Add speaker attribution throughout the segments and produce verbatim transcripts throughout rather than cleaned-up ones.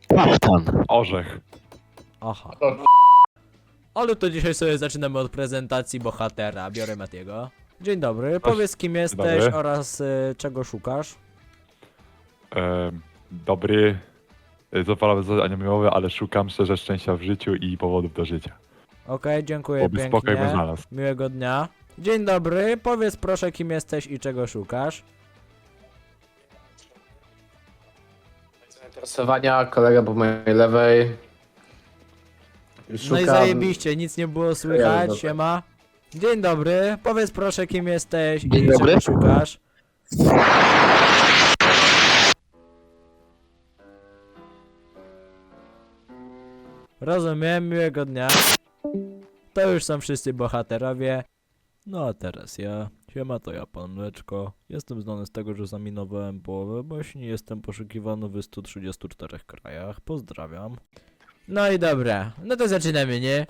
Speaker 1: Kasztan.
Speaker 2: Orzech.
Speaker 3: Aha. Ale to dzisiaj sobie zaczynamy od prezentacji bohatera. Biorę Matiego. Dzień dobry, powiedz kim jesteś
Speaker 2: dobry.
Speaker 3: oraz y, czego szukasz.
Speaker 2: E, dobry. Zapalamy zadanie miłowe, ale szukam szczerze szczęścia w życiu i powodów do życia.
Speaker 3: Okej, dziękuję
Speaker 2: Oby spokój bym
Speaker 3: pięknie.
Speaker 2: znalazł.
Speaker 3: Miłego dnia. Dzień dobry, powiedz proszę kim jesteś i czego szukasz.
Speaker 4: Zainteresowania, kolega po mojej lewej.
Speaker 3: No i
Speaker 4: Szukam-
Speaker 3: zajebiście, nic nie było słychać,
Speaker 4: Dobra.
Speaker 3: siema. Dzień dobry, powiedz proszę kim jesteś
Speaker 1: Dzień
Speaker 3: i
Speaker 1: dobry.
Speaker 3: czego szukasz. Rozumiem, miłego dnia. To już są wszyscy bohaterowie. No a teraz ja. Siema, to ja, pan Mleczko. Jestem znany z tego, że zaminowałem połowę baśni. Jestem poszukiwany w stu trzydziestu czterech krajach. Pozdrawiam. No i dobra, no to zaczynamy, nie?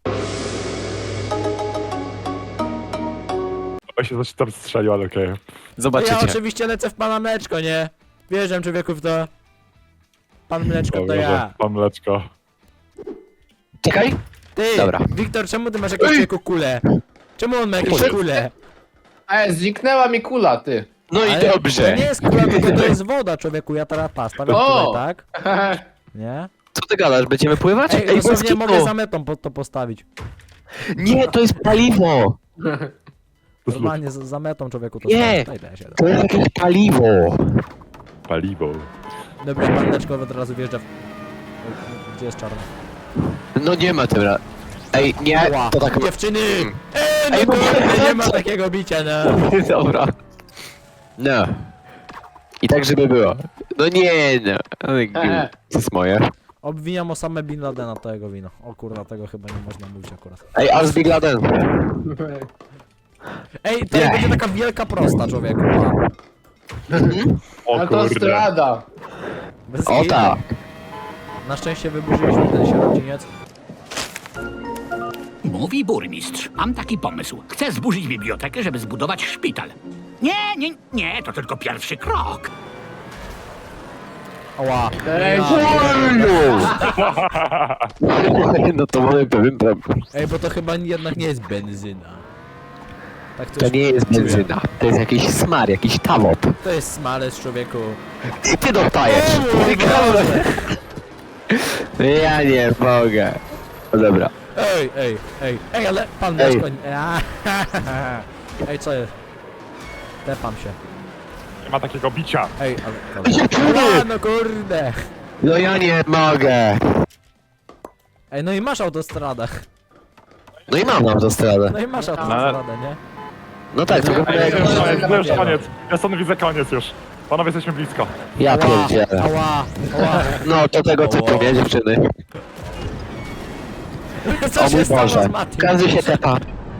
Speaker 2: Ja się coś tam strzelił, ale okej.
Speaker 3: No
Speaker 1: Zobaczycie.
Speaker 3: ja oczywiście lecę w pana Mleczko, nie? Wjeżdżam człowieku w to. Pan Mleczko to
Speaker 2: Dobrze,
Speaker 3: ja.
Speaker 2: Pan Mleczko.
Speaker 1: Czekaj.
Speaker 3: Ty,
Speaker 1: Dobra.
Speaker 3: Wiktor, czemu ty masz jakąś człowieku kulę? Czemu on ma jakieś
Speaker 1: Ej.
Speaker 3: kule?
Speaker 4: Ej, zniknęła mi kula, ty.
Speaker 1: No i
Speaker 3: Ale To
Speaker 1: dobrze.
Speaker 3: nie jest kula, tylko to jest woda, człowieku. Ja teraz pas, stawiam
Speaker 4: O!
Speaker 3: tutaj, tak? Nie?
Speaker 1: Co ty gadasz? Będziemy pływać?
Speaker 3: Ej,
Speaker 1: Ej, bez
Speaker 3: dosłownie
Speaker 1: kitu.
Speaker 3: mogę za metą po, to postawić.
Speaker 1: Nie, to jest paliwo.
Speaker 3: Normalnie za, za metą człowieku to
Speaker 1: Nie.
Speaker 3: stawić. Daj, daj się.
Speaker 1: To jest jakieś paliwo.
Speaker 2: Paliwo.
Speaker 3: Dobra, pan Mleczko od razu wjeżdża w... Gdzie jest czarny?
Speaker 1: No nie ma tym ra... Ej, nie,
Speaker 3: Ła,
Speaker 1: to tak...
Speaker 3: dziewczyny! Ej, no
Speaker 1: Ej, no
Speaker 3: kurde, nie ma
Speaker 1: co?
Speaker 3: takiego bicia, no.
Speaker 1: Dobra. No. I tak, żeby było. No nie, no. Ale gó- To jest moje.
Speaker 3: Obwiniam Osamę Bin Ladena to jego wino. O kurwa, tego chyba nie można mówić akurat.
Speaker 1: Ej, a z Big Laden.
Speaker 3: Ej, to
Speaker 1: Nie.
Speaker 3: będzie taka wielka prosta, człowieku.
Speaker 2: O kurde.
Speaker 4: Autostrada.
Speaker 3: Bez
Speaker 1: O
Speaker 3: kitu.
Speaker 1: tak.
Speaker 3: Na szczęście wyburzyliśmy ten sierociniec.
Speaker 5: Mówi burmistrz. Mam taki pomysł. Chcę zburzyć bibliotekę, żeby zbudować szpital. Nie, nie, nie, to tylko pierwszy krok.
Speaker 3: Oła.
Speaker 4: Ej,
Speaker 1: No to mamy pewien problem.
Speaker 3: Ej, bo to chyba jednak nie jest benzyna. Tak
Speaker 1: To
Speaker 3: coś
Speaker 1: nie jest
Speaker 3: czuję.
Speaker 1: benzyna. To jest jakiś smar, jakiś tawop.
Speaker 3: To jest smalec, człowieku.
Speaker 1: I ty dostajesz. Ja nie mogę. No dobra.
Speaker 3: Ej, ej, ej, ej, ale pan
Speaker 1: Ej.
Speaker 3: Mleczko... Ej, co jest? Tepam się.
Speaker 2: Nie ma takiego bicia.
Speaker 3: Ej, ale...
Speaker 1: Dziewczyny!
Speaker 3: A, no kurde.
Speaker 1: No ja nie mogę.
Speaker 3: Ej, no i masz autostradę.
Speaker 1: No i mam autostradę.
Speaker 3: No i masz autostradę, nie?
Speaker 1: No tak, tylko
Speaker 2: Ej,
Speaker 1: jak...
Speaker 2: już koniec, to już koniec. Ja stąd widzę koniec już. Panowie, jesteśmy blisko.
Speaker 1: Ja
Speaker 3: Ała,
Speaker 1: pierdzielę.
Speaker 3: ała, ała.
Speaker 1: No to tego typu, nie dziewczyny?
Speaker 3: Co
Speaker 1: O
Speaker 3: się
Speaker 1: mój
Speaker 3: stało
Speaker 1: Boże.
Speaker 3: z Matiem?
Speaker 1: Każdy się tepa.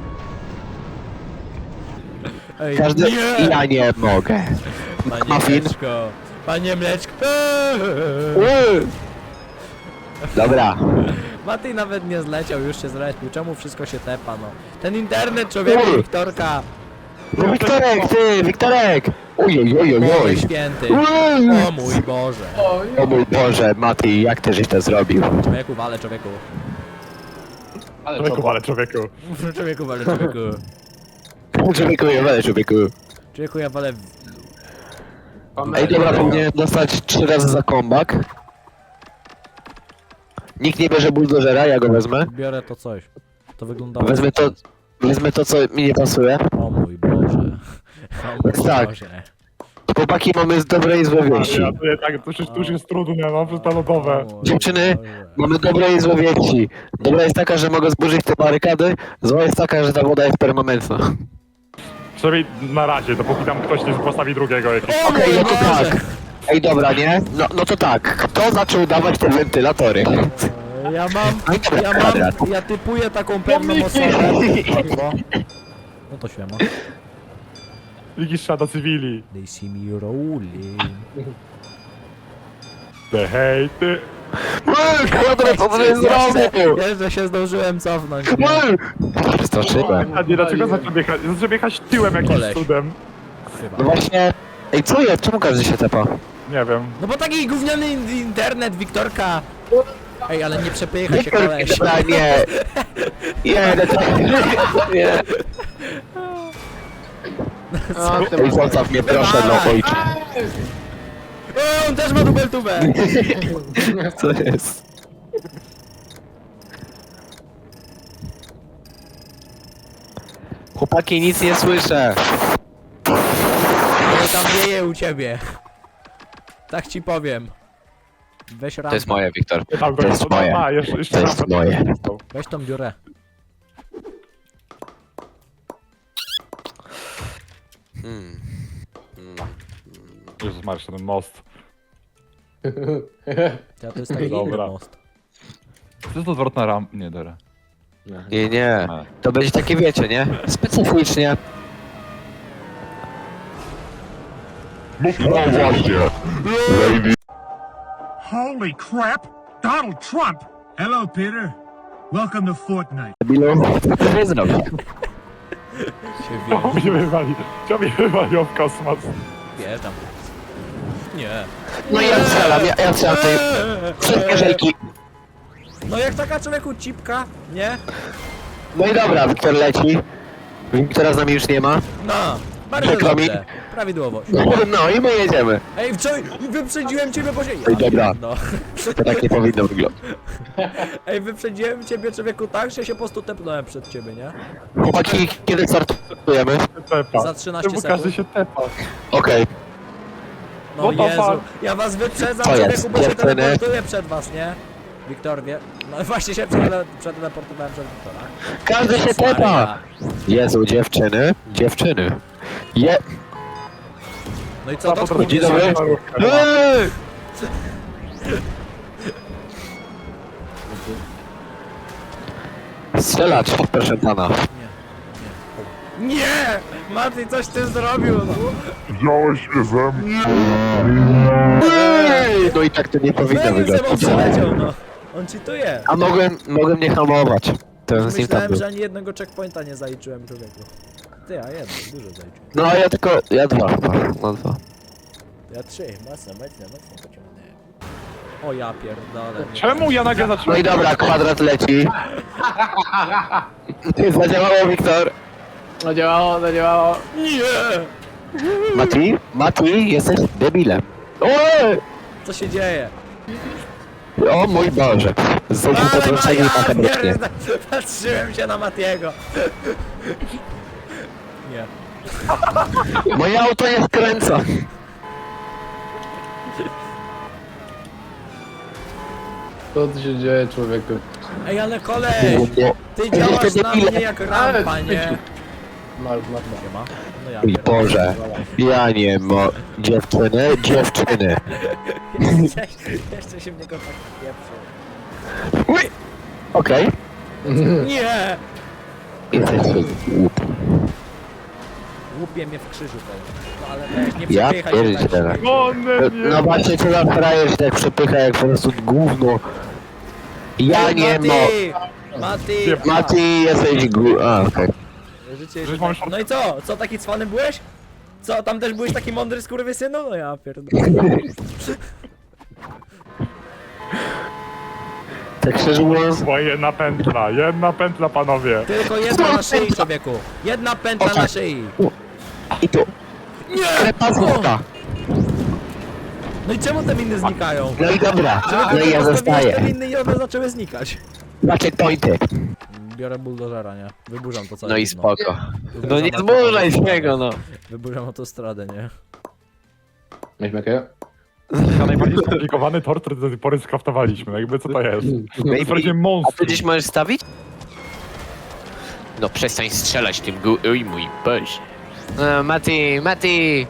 Speaker 3: Ej,
Speaker 1: Każdy...
Speaker 3: nie!
Speaker 1: Ja nie mogę.
Speaker 3: Panie
Speaker 1: Muffin.
Speaker 3: Mleczko, panie Mleczko.
Speaker 1: Uuu. Dobra.
Speaker 3: Matej nawet nie zleciał, już się zlepił. Czemu wszystko się tepa, no? Ten internet, człowieku,
Speaker 1: Uj.
Speaker 3: Wiktorka.
Speaker 1: No Wiktorek, ty, Wiktorek! Oj, oj, oj, oj,
Speaker 3: Boże
Speaker 1: oj.
Speaker 3: święty.
Speaker 1: Uuu.
Speaker 3: O mój Boże.
Speaker 1: O mój Boże, Mati, jak ty żeś to zrobił?
Speaker 3: Człowieku, wale, człowieku.
Speaker 4: Ale
Speaker 2: Człowieku,
Speaker 4: to...
Speaker 2: ale człowieku.
Speaker 3: Człowieku, wale, człowieku.
Speaker 1: Człowieku, ja walę, człowieku.
Speaker 3: Człowieku, ja walę... w-
Speaker 1: Ej, dobra, powinienem dostać trzy razy za comeback. Nikt nie bierze buldożera, ja go wezmę.
Speaker 3: Biorę to coś. To wygląda...
Speaker 1: Wezmę to, wezmę to, co mi nie pasuje.
Speaker 3: O mój Boże. O mój
Speaker 1: Tak.
Speaker 3: Boże.
Speaker 1: Chłopaki, mamy z dobre i złe wieści.
Speaker 2: Ja, to, ja, tak, to, już, to już jest trudne, no, przez to lodowe.
Speaker 3: O mój
Speaker 1: Dziewczyny,
Speaker 3: Boże.
Speaker 1: mamy dobre i złe wieści. Dobra jest taka, że mogę zburzyć te barykady, zła jest taka, że ta woda jest permanentna.
Speaker 2: Przynajmniej na razie, dopóki tam ktoś nie postawi drugiego jakiegoś.
Speaker 3: O
Speaker 1: Okej,
Speaker 3: mój
Speaker 1: no to
Speaker 3: Boże.
Speaker 1: tak. Ej, dobra, nie? No, no to tak, kto zaczął dawać te wentylatory?
Speaker 3: Ja mam,
Speaker 1: No i dobra,
Speaker 3: ja
Speaker 1: kwadrat.
Speaker 3: mam, ja typuję taką pewną osobę. Chyba. No to świema.
Speaker 2: Widzisz szada cywili.
Speaker 3: They see me rolling.
Speaker 2: Te hejty.
Speaker 1: Kwadrat, co ty zrobił?
Speaker 3: Jeszcze się zdążyłem cofnąć. nie?
Speaker 1: Przeskoczyłem.
Speaker 2: A nie, dlaczego zacząłem jechać? Zacząłem jechać tyłem jakimś
Speaker 3: Koleś.
Speaker 2: cudem.
Speaker 1: No
Speaker 3: Chyba.
Speaker 1: właśnie... Ej, co jest? Czemu każdy się tepa?
Speaker 2: Nie wiem.
Speaker 3: No bo taki gówniany in- internet, Wiktorka. Ej, ale nie przepychaj się,
Speaker 1: Wiktor,
Speaker 3: koleś.
Speaker 1: dobra, nie. Nie, no to... Nie.
Speaker 4: O, ty
Speaker 1: Ej, zostaw mnie, proszę, no ojcze.
Speaker 3: O, on też ma dubeltubę.
Speaker 1: Co jest? Chłopaki, nic nie słyszę.
Speaker 3: No tam wieje u ciebie. Tak ci powiem. Weź rampę.
Speaker 1: To jest moje, Wiktor.
Speaker 2: Tam
Speaker 1: To jest
Speaker 2: no,
Speaker 1: moje.
Speaker 2: A, jeszcze, jeszcze
Speaker 1: To jest
Speaker 2: rampę
Speaker 1: moje.
Speaker 2: dostał.
Speaker 3: Weź tą dziurę.
Speaker 1: Hmm.
Speaker 2: Jezus Maria, ten most.
Speaker 3: Ja to jest taki inny
Speaker 2: Dobra.
Speaker 3: most.
Speaker 2: To jest odwrotna rampa. Nie, dobra.
Speaker 1: Nie, nie. To będzie takie, wiecie, nie? Specyficznie.
Speaker 6: No właśnie. Lady.
Speaker 7: Holy crap! Donald Trump! Hello, Peter. Welcome to Fortnite.
Speaker 1: Debilu, co ty nie zrobił?
Speaker 3: Się
Speaker 2: Czemu mnie wywali? Czemu mnie wywaliło w kosmos?
Speaker 3: wjeżdżam. Nie.
Speaker 1: No ja strzelam, ja, ja strzelam tej... Wszystkie żejki.
Speaker 3: No jak taka człowieku cipka, nie?
Speaker 1: No i dobra, Wiktor leci. Wiktora z nami już nie ma.
Speaker 3: No, bardzo
Speaker 1: Przykro mi.
Speaker 3: dobrze. Prawidłowo.
Speaker 1: No i my jedziemy.
Speaker 3: Ej, wczoraj wyprzedziłem ciebie, bo się...
Speaker 1: Ej, dobra.
Speaker 3: No.
Speaker 1: To tak nie powinno wyglądać.
Speaker 3: Ej, wyprzedziłem ciebie, człowieku, tak, że się po prostu tepnąłem przed ciebie, nie?
Speaker 1: Chłopaki, kiedy startujemy?
Speaker 2: Tepa.
Speaker 3: Za trzynaście
Speaker 2: Czemu
Speaker 3: sekund.
Speaker 2: każdy się tepa?
Speaker 1: Okej.
Speaker 3: No
Speaker 2: No to
Speaker 3: Jezu,
Speaker 2: fakt.
Speaker 3: ja was wyprzedzam,
Speaker 1: Co jest,
Speaker 3: człowieku, bo się
Speaker 1: dziewczyny?
Speaker 3: teleportuję przed was, nie? Wiktor wie... No właśnie się przetele- przeteleportowałem przed Wiktora.
Speaker 1: Każdy się
Speaker 3: Jezus
Speaker 1: tepa.
Speaker 3: Maria.
Speaker 1: Jezu, dziewczyny, dziewczyny. Je...
Speaker 3: No i co, to
Speaker 2: potrafi-
Speaker 1: Dzień dobry. Eee! Strzelać, proszę pana.
Speaker 3: Nie! Mati, coś ty zrobił, no.
Speaker 6: Wziąłeś mnie ze mnie.
Speaker 1: Ej, no i tak to nie powinno
Speaker 3: Zanim ze mną
Speaker 1: wyglądać.
Speaker 3: przeleciał, no. On cheatuje.
Speaker 1: A mogłem, mogłem nie hamować. To z nim tam
Speaker 3: Myślałem,
Speaker 1: był.
Speaker 3: że ani jednego checkpointa nie zaliczyłem, człowieku. Ty, a jedno, dużo zaliczyłem.
Speaker 1: No a ja tylko, ja dwa chyba, no dwa.
Speaker 3: Ja trzy, mocno, mocno, mocno pociągnąłem. O ja pierdolę. nie.
Speaker 2: Czemu ja nagle
Speaker 1: No
Speaker 2: zacząłem?
Speaker 1: i dobra, kwadrat leci. Zadziałało, Wiktor.
Speaker 4: Zadziałało, zadziałało.
Speaker 3: Nie!
Speaker 1: Mati? Mati, jesteś debilem. Oj!
Speaker 3: Co się dzieje?
Speaker 1: O mój Boże. Znowu
Speaker 3: Ale
Speaker 1: potrącenie i
Speaker 3: Maja,
Speaker 1: taka brocznie.
Speaker 3: pierdolę, patrzyłem się na Matiego. Nie.
Speaker 1: Moje auto nie skręca.
Speaker 4: Co tu się dzieje, człowieku?
Speaker 3: Ej, ale kolej!
Speaker 1: Nie.
Speaker 3: Ty działasz
Speaker 1: Jesteście
Speaker 3: na
Speaker 1: debile.
Speaker 3: mnie jak rampa, nie?
Speaker 4: Masz, masz,
Speaker 3: Nie ma? No ja
Speaker 1: Mój
Speaker 3: pierdolę.
Speaker 1: Boże. Ja nie mo... Dziewczyny, dziewczyny.
Speaker 3: Jeszcze, jeszcze się w niego tak pieprzył.
Speaker 1: Uj. Okej.
Speaker 3: Nie!
Speaker 1: Jesteś głupi.
Speaker 3: Łupie mnie w krzyżu pewnie. No ale weź, nie
Speaker 1: Ja
Speaker 3: przepychaj się tak.
Speaker 1: pierdzielę.
Speaker 2: One nie.
Speaker 1: No właśnie, co za frajer się tak przepycha jak po prostu gówno. Ja
Speaker 3: Ej,
Speaker 1: nie mo...
Speaker 3: Mati! Mati!
Speaker 1: Mati, jesteś gó... A, okej.
Speaker 3: Życie
Speaker 2: Żeś
Speaker 3: się
Speaker 2: mam
Speaker 3: tak... No i co? Co, taki cwany byłeś? Co, tam też byłeś taki mądry skurwysynu? No ja pierdolę.
Speaker 1: Tak szczerze mówiąc...
Speaker 2: Była jedna pętla, jedna pętla, panowie.
Speaker 3: Tylko jedna na szyi, człowieku. Jedna pętla na
Speaker 1: tak.
Speaker 3: szyi.
Speaker 1: I tu.
Speaker 3: Nie!
Speaker 1: Krepazówka.
Speaker 3: No i czemu te miny znikają?
Speaker 1: No i dobra.
Speaker 3: Czemu
Speaker 1: No i ja
Speaker 3: postawiłeś te
Speaker 1: zostaję.
Speaker 3: miny i one zaczęły znikać?
Speaker 1: Macie pointy.
Speaker 3: Biorę buldożera, nie? Wyburzam to całe
Speaker 1: No i
Speaker 3: gówno.
Speaker 1: spoko.
Speaker 3: Wyburzam
Speaker 1: No nie
Speaker 3: autostradę.
Speaker 1: zmurzaj z niego, no.
Speaker 3: Wyburzam autostradę, nie?
Speaker 4: Mieliśmy jakiego?
Speaker 2: Na najbardziej skomplikowany tor, który do tej pory skraftowaliśmy. No jakby co to jest? To jest prawdziwie
Speaker 1: A ty
Speaker 2: monstrum.
Speaker 1: gdzieś możesz stawić? No przestań strzelać tym gu... Oj mój Boże. No, Mati, Mati!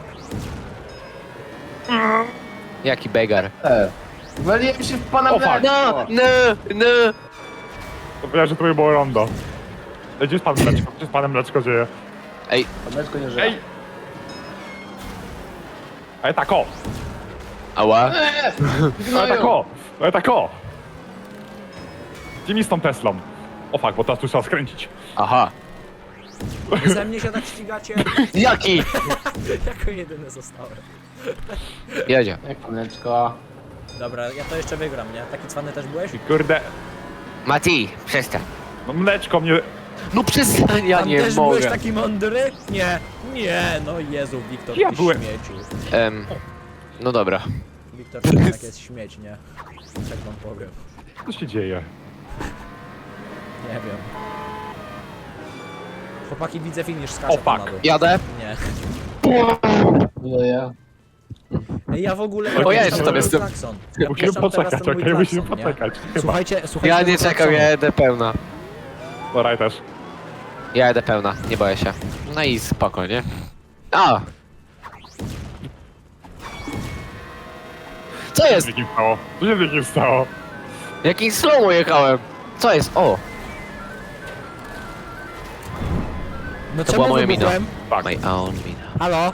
Speaker 1: Jaki begar.
Speaker 4: E. Waliłem się w pana
Speaker 2: O,
Speaker 4: w
Speaker 2: fuck.
Speaker 1: No, no, no!
Speaker 2: To powiedziałem, że to było rondo. Ej, gdzie jest pan Mleczko? Gdzie z panem Mleczko dzieje?
Speaker 1: Ej,
Speaker 4: Mleczko nie żyje.
Speaker 2: Ej! Ej, tak o!
Speaker 1: ała?
Speaker 2: Ej, tak o! Ej, tak o! Gdzie mi z tą Teslą? O fuck, bo teraz tu trzeba skręcić.
Speaker 1: Aha.
Speaker 3: Wy ze mnie się tak ścigacie?
Speaker 1: Jaki?
Speaker 3: Jako jedyny zostałem.
Speaker 1: Jedzie.
Speaker 4: Jak paneczko.
Speaker 3: Dobra, ja to jeszcze wygram, nie? Taki cwany też byłeś?
Speaker 2: I kurde,
Speaker 1: Mati, przestań.
Speaker 2: no mleczko mnie...
Speaker 1: No przestań, ja
Speaker 3: Tam
Speaker 1: nie
Speaker 3: też byłeś
Speaker 1: mogę.
Speaker 3: taki mądry? Nie, nie, no Jezu, Wiktor,
Speaker 2: Ja
Speaker 3: ty
Speaker 2: byłem.
Speaker 3: śmieciu.
Speaker 1: Em, no dobra.
Speaker 3: Wiktor, to jednak jest śmieć, nie? Tak wam powiem.
Speaker 2: Co się dzieje?
Speaker 3: Nie wiem. Chłopaki, widzę finish,
Speaker 2: O,
Speaker 3: skaczę
Speaker 2: fuck.
Speaker 3: na dół.
Speaker 1: Jadę?
Speaker 3: Nie.
Speaker 4: No ja.
Speaker 3: Ej, ja w ogóle...
Speaker 1: O, ja
Speaker 3: puszczam
Speaker 1: jeszcze tam
Speaker 3: teraz
Speaker 1: jestem.
Speaker 3: klakson. Ja
Speaker 2: Musimy
Speaker 3: puszczam teraz
Speaker 2: poczekać,
Speaker 3: ten mój
Speaker 2: okej, musimy
Speaker 3: klakson, nie?
Speaker 2: poczekać. Chyba.
Speaker 3: Słuchajcie, słuchajcie...
Speaker 1: Ja nie
Speaker 3: tego
Speaker 1: czekam,
Speaker 3: klaksonu.
Speaker 1: ja jedę pełna.
Speaker 2: Dobra, ja też.
Speaker 1: Ja jedę pełna, nie boję się. No i spoko, nie? A! Co
Speaker 2: Co się
Speaker 1: jest?
Speaker 2: z nikim stało? Co się z nikim stało?
Speaker 1: Jakim slow jechałem? Co jest? O!
Speaker 3: No
Speaker 1: To
Speaker 3: czemu
Speaker 1: była moja mina.
Speaker 3: wybuchłem?
Speaker 2: Tak.
Speaker 1: My own mina.
Speaker 3: Halo?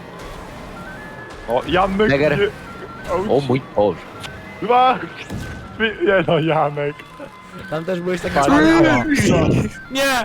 Speaker 2: O, Janek
Speaker 1: Neger.
Speaker 2: nie...
Speaker 1: O mój Boże.
Speaker 2: Dwa! Nie no, Janek.
Speaker 3: Tam też byłeś taki
Speaker 2: Tak.
Speaker 3: cwany? Ała. Nie!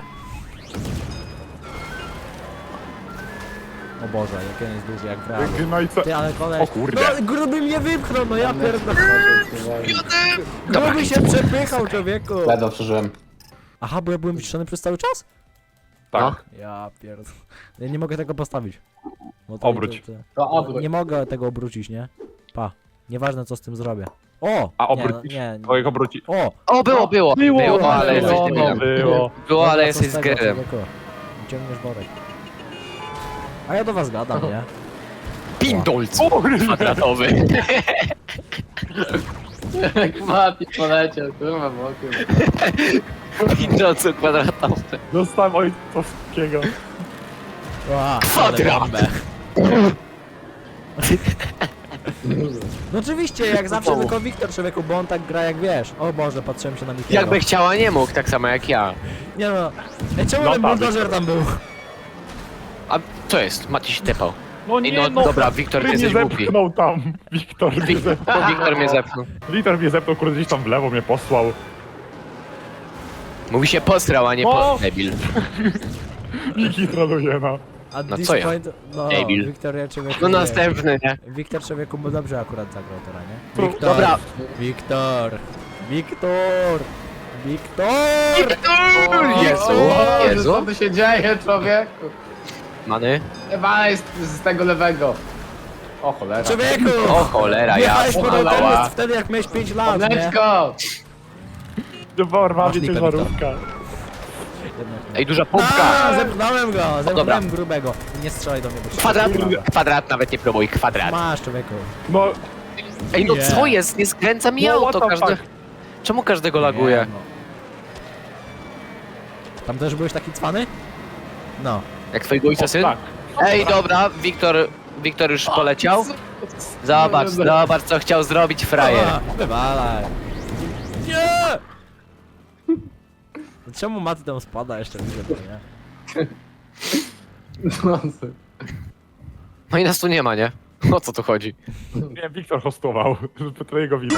Speaker 3: O Boże, jak on jest duży, jak w realu.
Speaker 2: No i co?
Speaker 3: Ty, ale koleś...
Speaker 2: O kurde.
Speaker 3: No, gruby mnie wypchnął, no ja pierdolę.
Speaker 1: Dobra.
Speaker 3: Gruby się przepychał, człowieku.
Speaker 4: Ledwo przeżyłem.
Speaker 3: Aha, bo ja byłem wyciszony przez cały czas?
Speaker 2: Tak.
Speaker 3: Ja pierdolę. Ja nie mogę tego postawić. Bo to-
Speaker 2: Obróć.
Speaker 3: to- to-
Speaker 4: To obróć.
Speaker 3: Nie mogę tego obrócić, nie? Pa. Nieważne co z tym zrobię. O!
Speaker 2: A
Speaker 3: Nie,
Speaker 2: obrócisz?
Speaker 3: Nie, nie.
Speaker 2: Twoich obróci...
Speaker 3: O!
Speaker 1: O, było, było.
Speaker 2: Było,
Speaker 1: Było, ale
Speaker 2: było,
Speaker 1: jesteś
Speaker 2: no,
Speaker 1: debilem.
Speaker 2: było.
Speaker 1: Było, ale
Speaker 3: Dobra,
Speaker 1: jesteś
Speaker 3: co
Speaker 1: z
Speaker 3: z tego,
Speaker 1: gerem.
Speaker 3: człowieku? Ciągniesz worek. A ja do was gadam, nie?
Speaker 1: Pindolc
Speaker 2: O, kurde.
Speaker 1: kwadratowy.
Speaker 4: Jak Mati poleciał, kurwa, bokiem.
Speaker 1: Pindolc kwadratowy.
Speaker 2: Dostałem ojcowskiego.
Speaker 3: Ła,
Speaker 1: Kwadrat.
Speaker 3: ale bombę. No oczywiście, jak zawsze tylko Wiktor, człowieku, bo on tak gra jak wiesz. O Boże, patrzyłem się na Mikiego.
Speaker 1: Jakby chciała, nie mógł, tak samo jak ja.
Speaker 3: Nie no. Ej, czemu
Speaker 2: No
Speaker 3: ten
Speaker 2: tak,
Speaker 3: buldożer tam był?
Speaker 1: A co jest? Mati się tepał.
Speaker 2: No
Speaker 1: Ej, no, dobra, Wiktor, ty
Speaker 2: ty mnie
Speaker 1: jesteś głupi.
Speaker 2: zepchnął tam. Wiktor mnie
Speaker 1: Wik-
Speaker 2: zepchnął.
Speaker 1: Wiktor mnie zepchnął.
Speaker 2: Wiktor mnie zepchnął, kurde, gdzieś tam w lewo mnie posłał.
Speaker 1: Mówi się posrał, a nie
Speaker 2: O!
Speaker 1: po... debil.
Speaker 2: Wiki troluje, no.
Speaker 3: A
Speaker 1: No co ja?
Speaker 3: Disappoint- No,
Speaker 1: Debil.
Speaker 3: Wiktor, ja człowieku...
Speaker 1: No
Speaker 3: nie.
Speaker 1: następny, nie?
Speaker 3: Wiktor, człowieku, mu dobrze akurat zagrał teraz, nie?
Speaker 2: Pro-
Speaker 3: Wiktor.
Speaker 1: Dobra.
Speaker 3: Wiktor. Wiktor. Wiktor.
Speaker 1: Jezu,
Speaker 4: O,
Speaker 1: Jezu.
Speaker 4: co tu się dzieje, człowieku?
Speaker 1: Many?
Speaker 4: Ewa jest z tego lewego. O cholera.
Speaker 3: Człowieku!
Speaker 1: O cholera, ja.
Speaker 3: Jechałeś po
Speaker 4: Cholera.
Speaker 3: rowerze wtedy jak miałeś pięć lat, nie?
Speaker 4: Paneczko!
Speaker 2: No porwa
Speaker 3: Masz
Speaker 2: mnie
Speaker 3: lipę,
Speaker 2: ciężarówka.
Speaker 3: Jednak nie.
Speaker 1: Ej, duża
Speaker 3: A,
Speaker 1: pompka.
Speaker 3: zepchnąłem go,
Speaker 1: dobra.
Speaker 3: zepchnąłem grubego. Nie strzelaj do mnie, bo
Speaker 1: Kwadrat, kwadrat, nawet nie próbuj, kwadrat.
Speaker 3: Masz, człowieku.
Speaker 2: No,
Speaker 1: Ej, no
Speaker 3: Nie.
Speaker 1: co jest? Nie skręca mi
Speaker 2: No,
Speaker 1: auto,
Speaker 2: what the
Speaker 1: każdy...
Speaker 2: fuck?
Speaker 1: Czemu każdego laguje?
Speaker 3: Nie, no. Tam też byłeś taki cwany? No.
Speaker 1: Jak twojego ojca syn?
Speaker 2: tak.
Speaker 1: Ej, dobra, Wiktor, Wiktor już poleciał. Zobacz, zobacz co chciał zrobić frajer.
Speaker 3: A, wywalaj. Nie! Czemu Maty tam spada jeszcze widzę to, nie?
Speaker 1: No i nas tu nie ma, nie? O co tu chodzi?
Speaker 2: Nie, Wiktor hostował. To twojego wina.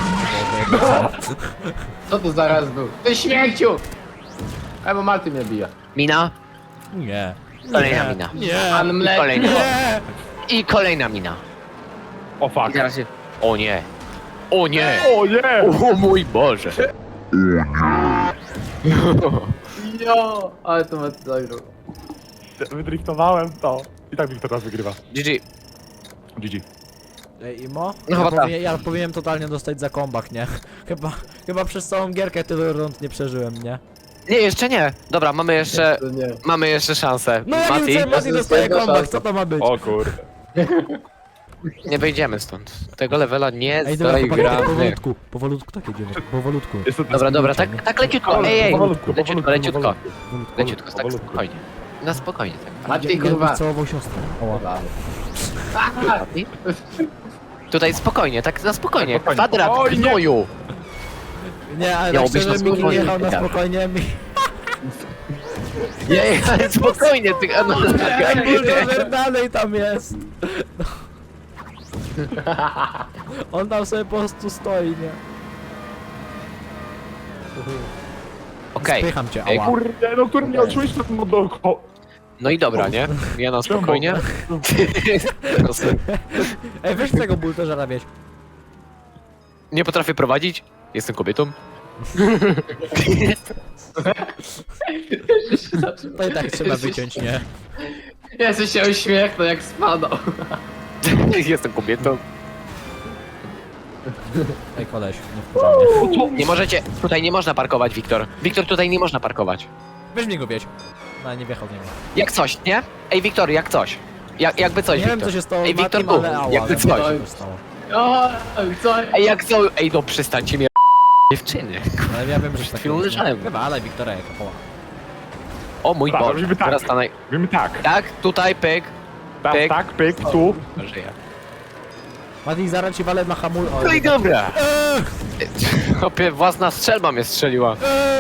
Speaker 4: Co to zaraz był? Ty śmieciu! Ej, bo Marty mnie bije.
Speaker 1: Mina?
Speaker 3: Nie.
Speaker 1: Kolejna mina.
Speaker 3: Nie.
Speaker 4: Pan
Speaker 1: I
Speaker 4: mleko.
Speaker 1: kolejna.
Speaker 3: Nie.
Speaker 1: I kolejna mina.
Speaker 2: O
Speaker 1: I
Speaker 2: fuck.
Speaker 1: teraz się... O nie. O nie.
Speaker 2: O nie!
Speaker 1: O mój Boże.
Speaker 4: Jo, ale to Marty zagrał.
Speaker 2: Wydriftowałem to. I tak Wiktor teraz wygrywa.
Speaker 1: G G.
Speaker 2: G G.
Speaker 3: Ej, Imo?
Speaker 1: No
Speaker 3: ja,
Speaker 1: chyba
Speaker 3: powinien, ja powinienem totalnie dostać za kombak, nie? Chyba, chyba przez całą gierkę tyle rund nie przeżyłem, nie?
Speaker 1: Nie, jeszcze nie. Dobra, mamy jeszcze...
Speaker 4: To nie.
Speaker 1: Mamy jeszcze szansę.
Speaker 3: No jak
Speaker 1: Mati,
Speaker 3: Mati, Mati
Speaker 4: to
Speaker 3: dostaje
Speaker 4: jest
Speaker 3: kombak,
Speaker 4: szansa.
Speaker 3: co to ma być?
Speaker 2: O kurde.
Speaker 1: nie wyjdziemy stąd. Tego levela nie
Speaker 3: Ej, dobra, chłopaki, tak
Speaker 1: gramy.
Speaker 3: powolutku, powolutku tak jedziemy, powolutku.
Speaker 2: Jest to
Speaker 1: Dobra, dobra, tak, tak leciutko. Ej, ej.
Speaker 2: Powolutku,
Speaker 1: Leciutko,
Speaker 2: powolutku,
Speaker 1: leciutko.
Speaker 2: powolutku.
Speaker 1: Leciutko, tak
Speaker 2: Powolutku.
Speaker 1: spokojnie. Na spokojnie, tak.
Speaker 4: Mati, kurwa.
Speaker 3: całował siostrę. Oła.
Speaker 1: Mati? Tutaj spokojnie, tak na spokojnie.
Speaker 2: Spokojnie.
Speaker 1: Kwadrat,
Speaker 2: Oj, nie.
Speaker 1: gnoju.
Speaker 3: Nie, ale tak
Speaker 1: Miało być
Speaker 3: szczerze,
Speaker 1: na
Speaker 3: Miki
Speaker 1: spokojnie,
Speaker 3: jechał na
Speaker 1: tak.
Speaker 3: spokojnie, mi...
Speaker 1: Nie, ale spokojnie, ty... No,
Speaker 3: Ej, buldożer dalej tam jest. No. On tam sobie po prostu stoi, nie?
Speaker 1: Okej.
Speaker 3: Spycham cię,
Speaker 1: Ej,
Speaker 3: ała.
Speaker 2: Kurde, no który mnie odczułeś to no do ko...
Speaker 1: No i dobra, nie? Ja na spokojnie.
Speaker 3: Ej, weź tego buldożera wieź.
Speaker 1: Nie potrafię prowadzić. Jestem kobietą.
Speaker 3: To i tak trzeba wyciąć, nie?
Speaker 4: Jesteś się uśmiechnął jak spadał.
Speaker 1: Jestem kobietą.
Speaker 3: Ej, koleś, nie wkurzaj mnie.
Speaker 1: Nie możecie. Tutaj nie można parkować, Wiktor. Wiktor, tutaj nie można parkować.
Speaker 3: Weź mi go wieź. No, nie wjechał w niego.
Speaker 1: Jak coś, nie? Ej, Wiktor, jak coś. Jak, jakby coś,
Speaker 3: Nie wiem,
Speaker 1: Wiktor.
Speaker 3: co się stało
Speaker 1: Ej,
Speaker 3: z
Speaker 1: Wiktor,
Speaker 3: Matim,
Speaker 1: tu.
Speaker 3: ale ała,
Speaker 1: Jakby
Speaker 3: wiem,
Speaker 1: coś.
Speaker 3: co się stało.
Speaker 4: O, co?
Speaker 1: Ej, jak co? Ej, no przestańcie mnie dziewczyny.
Speaker 3: Ale ja wiem, że tak
Speaker 1: chwilą leżałem.
Speaker 3: Chyba, ale Wiktora jaka poła.
Speaker 1: O mój
Speaker 2: Tak,
Speaker 1: Boże.
Speaker 2: robimy tak.
Speaker 1: Teraz stanę.
Speaker 2: Mówimy tak.
Speaker 1: Tak, tutaj, pyk.
Speaker 2: Tam,
Speaker 1: Pyk.
Speaker 2: tak, pyk, tu.
Speaker 1: Żyję.
Speaker 3: Mati, zaraz ci walę na hamul... O,
Speaker 1: No i dobra. Chłopie, własna strzelba mnie strzeliła.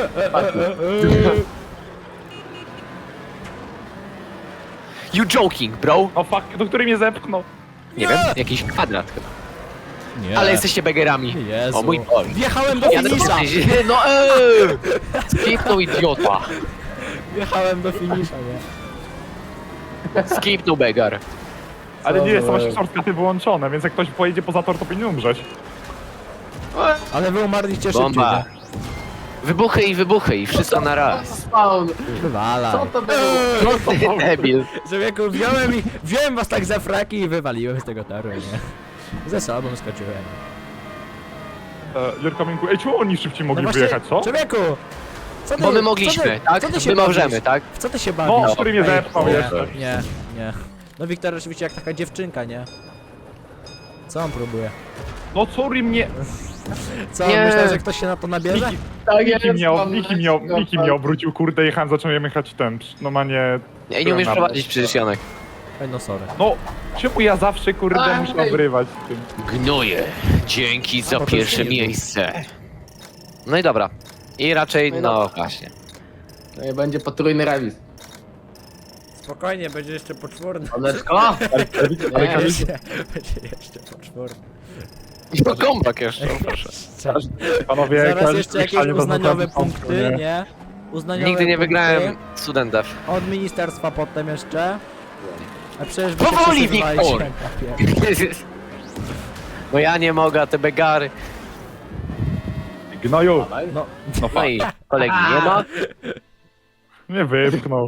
Speaker 1: You joking, bro?
Speaker 2: O fuck, do której mnie zepchnął.
Speaker 1: Nie wiem, jakiś kwadrat chyba.
Speaker 3: Nie.
Speaker 1: Ale jesteście begerami.
Speaker 3: Jezu.
Speaker 1: O mój Boże.
Speaker 3: Wjechałem do
Speaker 1: Jadę po
Speaker 3: finisza!
Speaker 1: tej- No eee! Skipnął idiota.
Speaker 3: Wjechałem do finisza, nie?
Speaker 1: Skipnął begar.
Speaker 2: Ale nie jest to
Speaker 3: za-
Speaker 2: właśnie shortcuty wyłączone, więc jak ktoś pojedzie poza tor, to powinien umrzeć.
Speaker 3: Ale wy umarliście szybciej,
Speaker 1: Bomba.
Speaker 3: nie?
Speaker 1: Wybuchy i wybuchy i wszystko na raz.
Speaker 4: Spawn.
Speaker 3: Wywalaj.
Speaker 4: Co to było?
Speaker 1: Ty debil.
Speaker 3: Człowieku, wziąłem i... Wziąłem was tak za fraki i wywaliłem z tego toru, nie? Ze sobą skoczyłem.
Speaker 2: E, Jurka Minku, ej, czemu oni szybciej mogli
Speaker 3: No właśnie,
Speaker 2: wyjechać, co?
Speaker 3: Człowieku! Co ty,
Speaker 1: Bo my
Speaker 3: co
Speaker 1: mogliśmy,
Speaker 3: ty,
Speaker 1: tak?
Speaker 3: Co ty się
Speaker 1: My możemy,
Speaker 3: bawisz?
Speaker 1: tak?
Speaker 3: W co ty się bawisz?
Speaker 2: No, który mnie
Speaker 3: Ej,
Speaker 2: zepchnął
Speaker 3: nie,
Speaker 2: jeszcze.
Speaker 3: Nie, nie. No Wiktor oczywiście jak taka dziewczynka, nie? Co on próbuje?
Speaker 2: No sorry mnie...
Speaker 3: Co,
Speaker 1: Nie.
Speaker 3: myślał, że ktoś się na to nabierze?
Speaker 2: Niki,
Speaker 4: Tak
Speaker 2: Niki,
Speaker 4: jest,
Speaker 2: mnie,
Speaker 4: mam
Speaker 2: Niki, mnie,
Speaker 4: lekko,
Speaker 2: Niki mnie obrócił, kurde, jechałem, zacząłem jechać ten, no ma nie...
Speaker 1: Ej, nie umiesz prowadzić przecież, Janek.
Speaker 3: Ej, no sorry.
Speaker 2: No, czemu ja zawsze, kurde,
Speaker 4: Aj.
Speaker 2: muszę obrywać z tym?
Speaker 1: Gnoje. Dzięki za
Speaker 3: bo to
Speaker 1: pierwsze
Speaker 3: już nie było.
Speaker 1: miejsce. No i dobra. I raczej,
Speaker 4: No i
Speaker 1: no
Speaker 4: dobra.
Speaker 1: właśnie.
Speaker 4: No i będzie potrójny remis.
Speaker 3: Spokojnie, będzie jeszcze poczwórny.
Speaker 4: Oneczko?
Speaker 2: Ale
Speaker 4: Nie.
Speaker 2: Kamil,
Speaker 3: Będzie jeszcze poczwórny.
Speaker 1: No kombak jeszcze, proszę.
Speaker 2: panowie,
Speaker 3: Zaraz
Speaker 2: każdy
Speaker 3: jeszcze jakieś
Speaker 2: słyszeli, bo
Speaker 3: uznaniowe
Speaker 2: zatem są,
Speaker 3: punkty, nie? Uznaniowe
Speaker 1: Nigdy nie
Speaker 3: punkty
Speaker 1: wygrałem studentów.
Speaker 3: Od ministerstwa potem jeszcze. A przecież wy
Speaker 1: Powoli,
Speaker 3: się wszyscy
Speaker 1: Wiktor!
Speaker 3: zwalicie na papier.
Speaker 1: No ja nie mogę, a te begary.
Speaker 2: Gnoju,
Speaker 3: No,
Speaker 2: no
Speaker 1: No
Speaker 2: fuck,
Speaker 1: i kolegi nie ma.
Speaker 2: mnie wypchnął.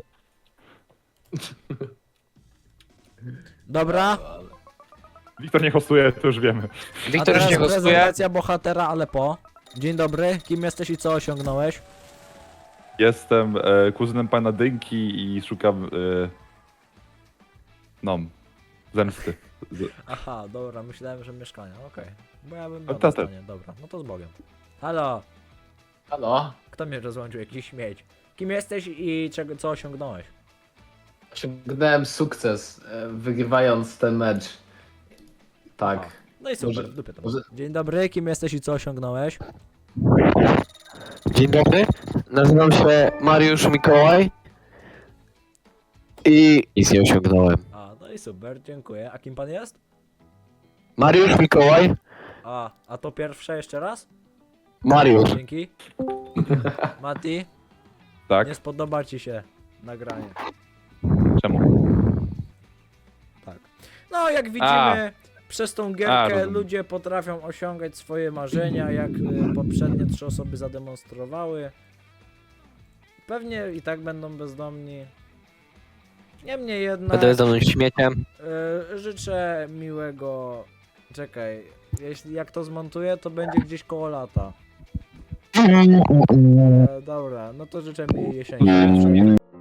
Speaker 3: dobra.
Speaker 2: Wiktor nie hostuje, to już wiemy.
Speaker 3: A
Speaker 1: Wiktor
Speaker 3: teraz
Speaker 1: już nie gostuje.
Speaker 3: prezentacja bohatera, ale po. Dzień dobry, kim jesteś i co osiągnąłeś?
Speaker 2: Jestem e, kuzynem pana Dynki i szukam... E, no, zemsty. Z,
Speaker 3: Aha, dobra, myślałem, że mieszkania, okej. Bo ja bym
Speaker 2: A
Speaker 3: miał
Speaker 2: to też.
Speaker 3: mieszkanie, dobra, no to z Bogiem. Halo,
Speaker 4: Halo?
Speaker 3: kto mnie rozłączył, jakiś śmieć? Kim jesteś i czego, co osiągnąłeś?
Speaker 4: Osiągnąłem sukces, e, wygrywając ten mecz. Tak.
Speaker 3: No i super,
Speaker 4: Może-
Speaker 3: w dupie to.
Speaker 4: może-
Speaker 3: Dzień dobry, kim jesteś i co osiągnąłeś?
Speaker 1: Dzień dobry. Nazywam się Mariusz Mikołaj. I nic nie osiągnąłem.
Speaker 3: A, no i super, dziękuję. A kim pan jest?
Speaker 1: Mariusz Mikołaj.
Speaker 3: A, a to pierwsze jeszcze raz?
Speaker 1: Mariusz.
Speaker 3: Dzięki. Mati,
Speaker 2: tak?
Speaker 3: nie spodoba ci się nagranie.
Speaker 2: Czemu?
Speaker 3: Tak. No, jak widzimy,
Speaker 2: A.
Speaker 3: przez tą
Speaker 2: A,
Speaker 3: gierkę
Speaker 2: rozumiem.
Speaker 3: ludzie potrafią osiągać swoje marzenia, jak y, poprzednie trzy osoby zademonstrowały. Pewnie i tak będą bezdomni. Niemniej jednak
Speaker 1: Będę bezdomnym śmieciem.
Speaker 3: y, życzę miłego... Czekaj, jeśli jak to zmontuję, to będzie gdzieś koło lata. E, dobra, no to życzę mi jesieni.